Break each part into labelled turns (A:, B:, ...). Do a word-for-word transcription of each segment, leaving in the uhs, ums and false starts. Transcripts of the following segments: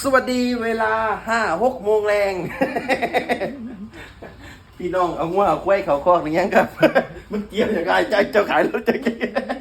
A: วัสดีเวลาห้าหกโมงแรง พี่น้องเอางัวเอากล้วยเขาคอกหรือยังครับ มันเกี่ยวอย่างไรใจเจ้าขายรถจะกี่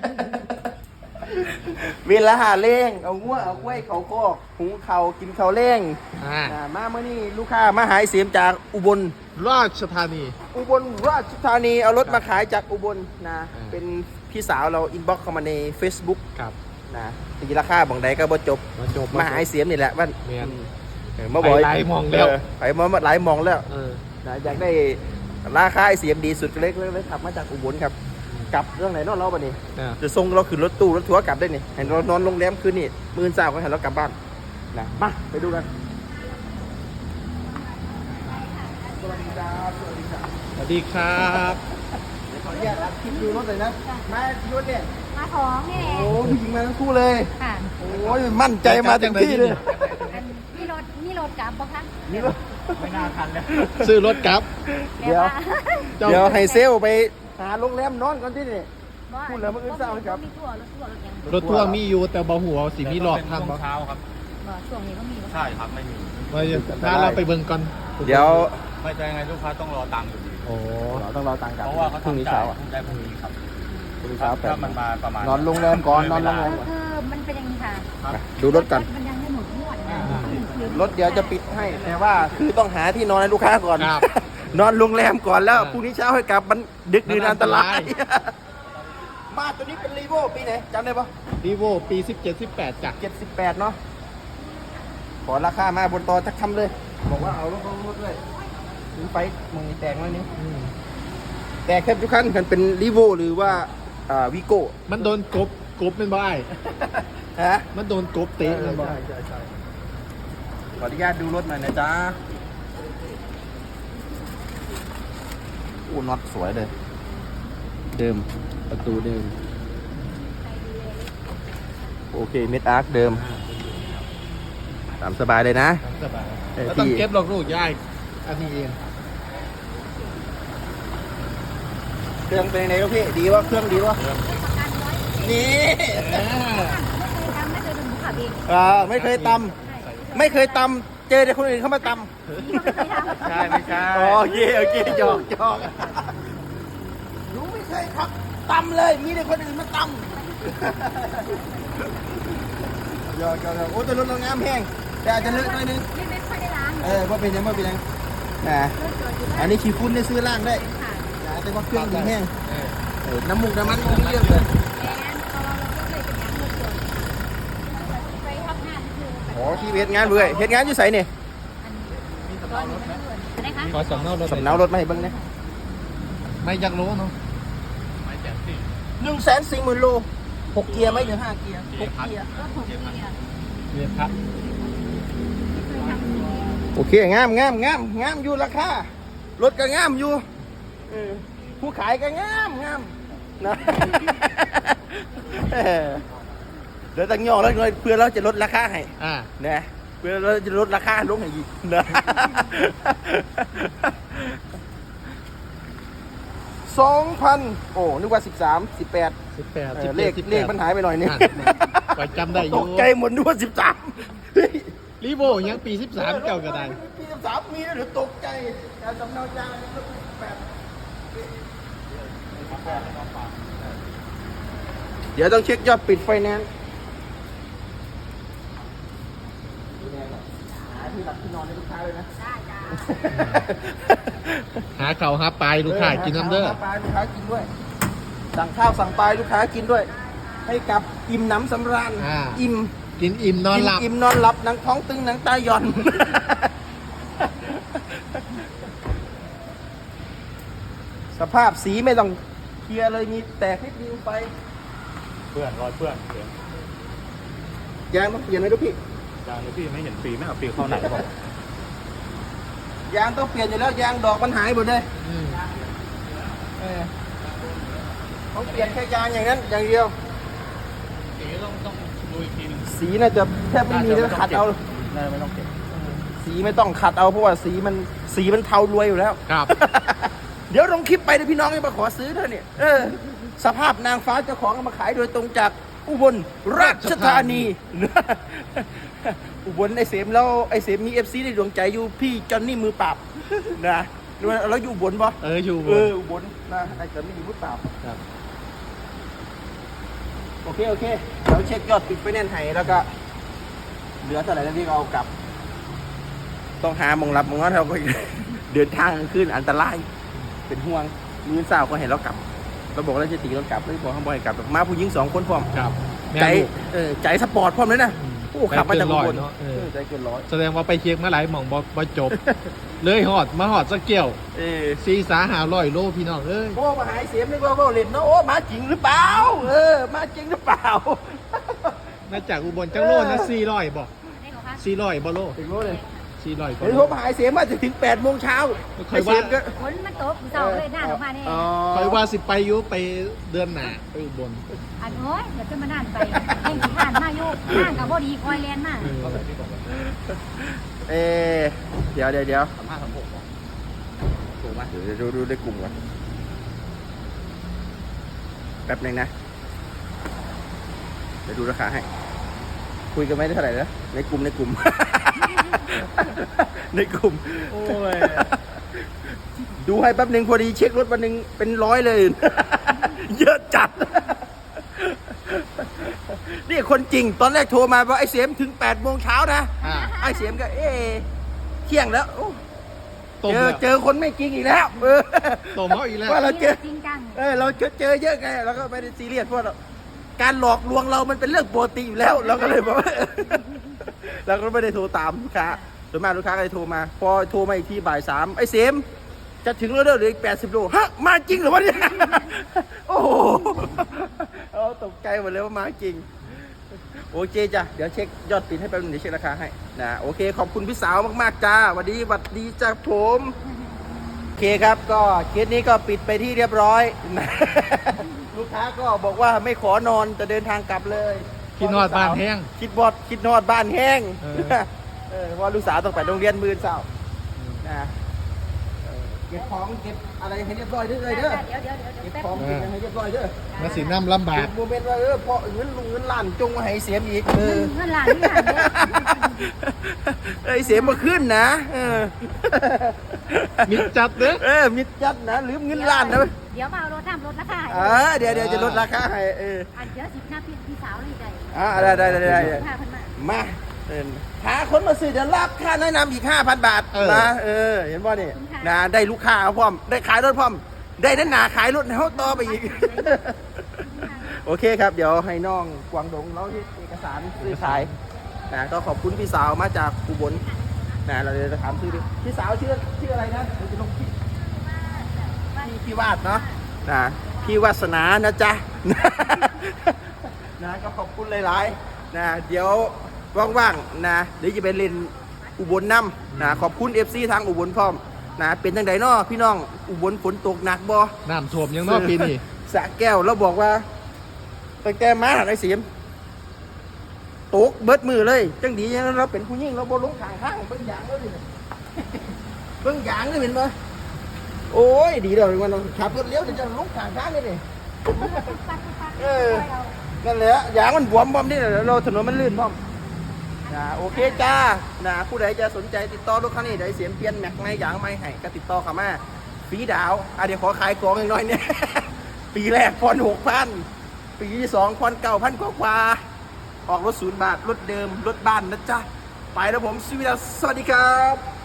A: เวลาหาเล่งเอางัวเอากล้วยเขาคอกหุงเขากินเขาเล่ง
B: อ่า
A: อ่ามาเมื่อนี้ลูกค้ามาหายเสียมจากอุบล
B: ราชธานี
A: อุบลราชธานีเอารถมาขายจากอุบลนะ
B: อ่า
A: เป็นพี่สาวเราอินบ็อกเข้ามาใน Facebook
B: ครับ
A: นะตีราคาบังใดก็บ่จบ
B: มาจบ
A: มาหายเสียมนี่แหละว่า
B: แม่น
A: เออมาบอก
B: ไปหลายหม่องแล้ว
A: เไปมาหลายหมองแล้ว
B: เออ
A: นะอยากได้ราคาไอเสียมดีสุดก็เลยเลยเลยขับมาจากอุบลครับกลับเรื่องไหนเนอกเราปะนี่
B: อ่า
A: จะส่งเราขึ้นรถตู้รถทัวร์กลับได้นี่ให้เรานอนโรงแรมคืนนี่มื้อเช้าก็ให้เรากลับบ้านนะมาไปดูกันสวัสดีครับสวัสดีครับ
B: สวัสดีครับ
A: เดี๋ยวขออนุญาตอัดคลิปดูรถเลยนะมาที่รถเนี่ย
C: มาของนี่แหละ
A: โอ้ผู้หญิงมาทั้งคู่เลย
C: ค่ะ
A: โอ้ยมั่นใจมาเต็มที่เลย
C: อันนี่รถนี่รถกลับปะคะ
A: นี่รถ
B: ไม่น่าทันเลยซื้อรถกลับ
A: เดี๋ยว
B: เจ้า
A: เดี๋ยวให้เซลลไปหาโรงแรมนอนก่อนที่นี่ พูดแล้วมันอึดอัดไหมครับ
C: มีทั่วรถทั่วรถยัง
B: รถทั่วร์มีอยู่แต่บ่หัวสิมีหลอกทำบ่
D: เช้าครับ
C: บ่ช่วงนี้ก็มีปะ
D: ใช่ครับไม่มี
B: ว่าถ้าเราไปเบิ่งก่อน
A: เดี๋ยว
D: ไม่ใช่ไงลูกค้าต้องรอตังค์อยู่ดี
B: โอ้
A: เราต้องรอตังค์กลับ
D: เพราะว่าเขา
A: พรุ่งนี้
D: ทำจ่า
A: เช้าย อ่ะ
D: ได้พรุ่งนี้ครับ
A: พรุ่งนี้เช้าแปด
D: ถ้ามันมาประมาณ
A: นอนโรงแรมก่อนนอนโรงแรม
C: ก็คือมันเป็นอย่างนี้ค่ะ
A: ดูรถกัน
C: มันยังไม่หมดงวดนะ
A: รถเดี๋ยวจะปิดให้แต่ว่าคือต้องหาที่นอนให้ลูกค้าก่อน
B: ครับ
A: นอนโรงแรมก่อนแล้ว
B: อ่า
A: พรุ่งนี้เช้าให้กลับมันดึกดื่น
B: มันอั
A: อัน
B: น
A: ต
B: ต
A: ราร
B: าย ย
A: มาตัวนี้เป็นรีโวปีไหนจำได้ปะ
B: รีโวปีสิบเจ็ด สิบแปดจ้ะ
A: เจ็ดสิบแปดเนาะขอราคามาบนตอทักคำเลย บอกว่าเอารถลงรถด้วยถึงไปมึงแตกแล้วนี่
B: อืม
A: แตกแทบทุกคันกันเป็นรีโวหรือว่าอ่าวิโก้
B: มันโดนกบกบเป็นบ่ไอ้
A: ฮะ
B: มันโดนกบเตะเป็นบ่
A: ขออนุญาตดูรถหน่อยนะจ๊ะอู้น็อตสวยเลย เดิม ประตูเดิม โอเค เม็ดอาร์คเดิม ตามสบายเลยนะ
B: สบาย
A: เออ
B: แล้วต้อง
A: พี่
B: เก็บหลอกลูกยายอันนี้เอง
A: เครื่องเป็นยังไงลูกพี่ ดีวะเครื่องดีวะนี่
B: อ่า
C: ทำไม่เคยเป็นผู้ขับเอง
A: อ่าไม่เคยตำไม่เคยตำเจอแต่คนอื่นเข้ามาตำ
C: นี่ก็ไม่เคยทำ
D: ใช่ไม่ใช่
A: โอเคโอเคจอกจอกหนูไม่เคยครับตำเลย มีแต่คนอื่นมาตำยอกยอกยอกโอ้แต่รถเรางามแห้งแต่อาจจะเลอะหน่อยนึง
C: ไม่ไม่ค่อยได้ล้าง
A: เออว่าเป็นยังว่าเป็นยังนะ
C: รถจอดอยู่บ้า
A: อันนี้ขี้ฟุ้นได้ซื้อล่างได้
C: ค่ะ
A: นะแต่ว่าเครื่องดีแห้ง
B: เออ
A: เออน้ำมูกน้ำมันไม่มีเรื่องเลย
C: แอนตอนเราก็เคยเป็นงานรถจอดไปทำงานคือ
A: โอ้ที่เฮ็ดงานเบื่อเฮ็ดงานอยู่ไสเนี่ย
C: อันนี้ตอนนี้มันเกิดอะไรคะ
B: ขอสำเนารถ
A: สำเนารถมาให้เบิ่งเนี่ย
B: ไม่อยากรู้เนาะ
D: ไม่แจกสิ
A: หนึ่งแสนสี่หมื่นโลหกเกียร์ไหมหรือห้าเกียร์หกเกียร์
C: รถผมมีอ่ะ
B: เรียนพัก
C: เคยทำอย่างนี้
A: โอเคงามงามงามงามอยู่ราคารถก็งามอยู่เออผู้ขายก็งามงามนะ เออเดี๋ยวตั้งย่อแล้วเพื่อเราจะลดราคาให้
B: อ่า
A: นะเพื่อเราจะลดราคาลงให้อีกนะ สองพันโอ้นึกว่าสิบสามสิบแปด
B: สิบแปด
A: เอ
B: สิ
A: อบ เล
B: เจ็
A: ข
B: ดสิบแปด
A: เลขมันหายไปหน่อยนึง
B: อ่ะไว้จำได้อยู่
A: ตกใจหมดนึกว่าสิบสาม
B: รีโวยังปีสิบสามเก่าก็ได้
A: ปีสิบสามมีแล้วหรือตกใจการสำเนาจางก็แปดเดี๋ยวต้องเช็คยอดปิดไฟแนนซ์หาที่หลับที่นอนให้ลูกค้าเลยนะ
C: ได้จ้า
B: หาเขาหาปลายลูกค้ากินน้ำเด้อ
A: สั่งข้าวปลาลูกค้ากินด้วย สั่งข้าวสั่งปลาลูกค้ากินด้วย ให้กับอิ่มหนำสำราญ
B: อ่า
A: อิ่ม
B: กินอิ่มนอนหลับ
A: อิ่มนอนหลับหนังท้องตึงหนังตาหย่อน สภาพสีไม่ต้องเคลียร์เลยมีแตกนิดเดียวไป
D: เพื่อนรอยเพื่อนเสียง
A: ยางต้องเปลี่ยนไหมลูกพี่
D: ยางนี้พี่ไม่เห็นปีไม่เอาปีเข้าไหนบอก
A: ยางต้องเปลี่ยนอยู่แล้วยางดอกมันหายหมดเลย
B: อืม
A: เออต้องเปลี่ยนแค่ยางอย่างนั้นอย่างเดียว
D: สีต้องต้องดูอีกทีหนึง
A: สีน่าจะแทบไม่มีเลยขัดเอา
D: น่าจะไม่ต้องเก็บ
A: สีไม่ต้องขัดเอาเพราะว่าสีมันสีมันเทารวยอยู่แล้ว
B: ครับ
A: เดี๋ยวลงคลิปไปเดี๋ยวพี่น้องจะมาขอซื้อเธอเนี่ยเออสภาพนางฟ้าเจ้าของเอามาขายโดยตรงจากอุบลราชธานีอุบลไอเสมแล้วไอเสมมีเอฟซีในดวงใจอยู่พี่จอนนี่มือปราบ นะแล้วอยู่อุบลปะ
B: เอออยู่
A: เอออุบลนะไอจอนนี่มือปราบ
B: ครับ
A: โอเคโอเคเดี๋ยวเช็คยอดปิดไปแน่นไห้แล้วก็เหลือเท่าไหร่แล้วพี่ก็เอากลับ ต้องหามองรับมองว่าเราก็ เดินทางกลางคืนอันตรายเป็นห่วงมือสาวก็เห็นเรากลับเราบอกเราจะตีเรากลับเลยบอกข้างบนให้กลับมาผู้หญิงสองคนพร้อม
B: ครับแม่
A: ใจ
B: ลูก
A: เออใจสปอร์ตพร้อมเลยนะ
B: อืม
A: โอ้ขับมาจากอุบล
B: ใจเกินร้อยเนอะเออ
A: เออใจเกินร้อย
B: แสดงว่าไปเคียงมาหลายหม่องบ่บ่จบ เลยหอดมาหอดสักเกี่ยว
A: เออ
B: ซีสาหาร้อยโลพี่น้องเอ้ย
A: โอ้มาหายเสียมนึกว่าว่าเล่นเนาะโอ้มาจริงหรือเปล่าเออมาจริงหรือเปล่า
B: มาจากอุบลจังโลนะสี่ร้อยบ่
C: ได้เหรอคะ
B: สี่ร้อยบ่โล
A: ถึงรู้เลย
B: สี่ร้อย
A: เห็นผมหายเสียมมาจะถึงแปดโมงเช้า
B: เคยว่า
A: ไอ้เสีมก็
C: ฝนมันตกเศร้าเลยหน้าออกมาเนี่ย
A: อ๋อ
B: คอยว่าสิไปอยุไปเดือนหน้าไปอุบล
C: อันโอ้ยเดี๋ยวจะมานั่นไปแข่งผ่านมาอยู่ห่างกับบ่ดีคอยแลนมา
B: เออ
A: เออเดี๋ยวเดี๋ยวเดี๋ยว
D: สามห้าสามหกถูกไหม
A: เดี๋ยวดูดูในกลุ่มก่อนแป๊บหนึงนะเดี๋ยวดูราคาให้ คุยกันไม่ได้เท่าไหร่นะในกลุ่มในกลุ่ม ในกลุ่ม
D: โอ้ย
A: ดูให้แป๊บหนึ่งพอดีเช็ครถวันหนึ่งเป็นร้อยเลย เยอะจัด นี่คนจริงตอนแรกโทรมาว่าไอ้เสียมถึงแปดโมงเช้านะ
B: อ่า
A: ไอ้เสียมก็เอ๊ะเที่ยงแล้วโอ้
B: ต้ม
A: เจอ
B: แล้ว
A: เจอคนไม่จริงอีกแล้วเออ
B: ต้มเขาอีกแล้ว
A: ว่าเราเจอ
C: จริงจัง
A: เออเราเจอเจอเยอะไงเราก็ไม่ได้ซีเรียสเพราะเราการหลอกลวงเรามันเป็นเรื่องปกติอยู่แล้ว เราก็เลยบอกว่า เราก็ไม่ได้โทรตามลูกค้าส่วนมากลูกค้าก็เลยโทรมา พอโทรมาอีกทีบ่ายสามไอ้เสมจะถึงแล้วเด้อเหลืออีกแปดสิบโลฮะมาจริงเหรอวะเนี่ย โอ้โหเอาตกใจหมดเลยว่ามาจริง โอเคจ้ะเดี๋ยวเช็คยอดปิดให้แป๊บนึงเดี๋ยวเช็คราคาให้นะโอเคขอบคุณพี่สาวมากๆจ้าสวัสดีสวัสดีจ้าผมโอเคครับก็เคสนี้ก็ปิดไปที่เรียบร้อย นะลูกค้าก็บอกว่าไม่ขอนอนจะเดินทางกลับเลย
B: คิดนอดบ้านแห้ง
A: คิดบอดคิดนอดบ้านแห้ง
B: เออ
A: เออเพราะลูกสาวต้องไปโรงเรียนมือเช้านะเออเก็บของเก็บอะไรให้เรียบร้อยเด้อเลยเด้อ
C: เดี๋ยวเดี๋ยวเดี๋ยว
A: เก็บ
C: แป๊บ
A: ของเก็บอะไรให้เรียบร้อยเด้อ
B: มาสีน้ำลำบาก
A: โมเมนต์ว่าเออพอเงินลุงเงินล้านจงมาให้เสียมอีกเออ
C: เงินล้านนี่ล้านเนี่ย
A: ไอ้เสียมาขึ้นนะเออ
B: มิดจัดเด้อ
A: เออมิดจัดนะลืมเงินล้านนะ
C: เดี๋ยวมาเอารถทำรถราคาให้
A: เออเดี๋ยวเดี๋ยวจะลดราคาให้เออ
C: อันเดี๋ยวสิบหน้าพี่พี่สาวเลยใจ
A: อ่าได้ได้ได้ได้ได้
C: ห้าพันบาท
A: มาเออหาคนมาซื้อเดี๋ยวรับค่าแนะนำอีกห้าพันบาทนะเออเห็นป่ะนี่นะได้ลูกค้าพร้อมได้ขายรถพร้อมได้นั่นหนาขายรถเขาต่อไปอีก โอเคครับ เดี๋ยวให้น้องกวางดงเราที่เอกสารซื้อขายนะก็ขอบคุณพี่สาวมาจากอุบลนะเราจะถามชื่อดิพี่สาวชื่อชื่ออะไรนะเราจะลงพี่พี่พี่วาดเนาะนะพี่วาสนานะจ๊ะ นะก็ขอบคุณหลายๆนะเดี๋ยวว่างๆนะเดี๋ยวจะไปเล่นอุบลน้ำนะขอบคุณ เอฟ ซี ทางอุบลพร้อมนะเป็นจังไดเนาะพี่น้องอุบลฝนตกหนักบ่
B: น้ำท่วมยังนอกปีนี้
A: สระแก้วเราบอกว่าตั้งแต่มาไอ้เสียมตกเบิดมือเลย จังดีอย่างนั้นเราเป็นผู้หญิงเราบ่ลงทางข้างเบิ่งอย่างแล้วดิ เบิ่งอย่างนี่เห็นบ่โอ้ยดีเลยมันขับรถเลี้ยวเดี๋ยวจะลงทางข้างนี่ดิ เออ นั่นแหละอย่างมันบวมบอมนี่แหละเราถนนมันลื่นพร้อมนะโอเคจ้านะผู้ใดจะสนใจติดต่อรถคันนี้ได้เสียมเปลี่ยนแม็กไม่ยางไม่ให้ก็ติดต่อเข้ามาฟรีดาวอ่ะเดี๋ยวขอขายของอีกหน่อยเนี่ย ปีแรกผ่อนหกพันปีที่สองผ่อนเก้าพันกว่าๆออกรถศูนย์บาทรถเดิมรถบ้านนะจ๊ะไปแล้วผมสวัสดีครับ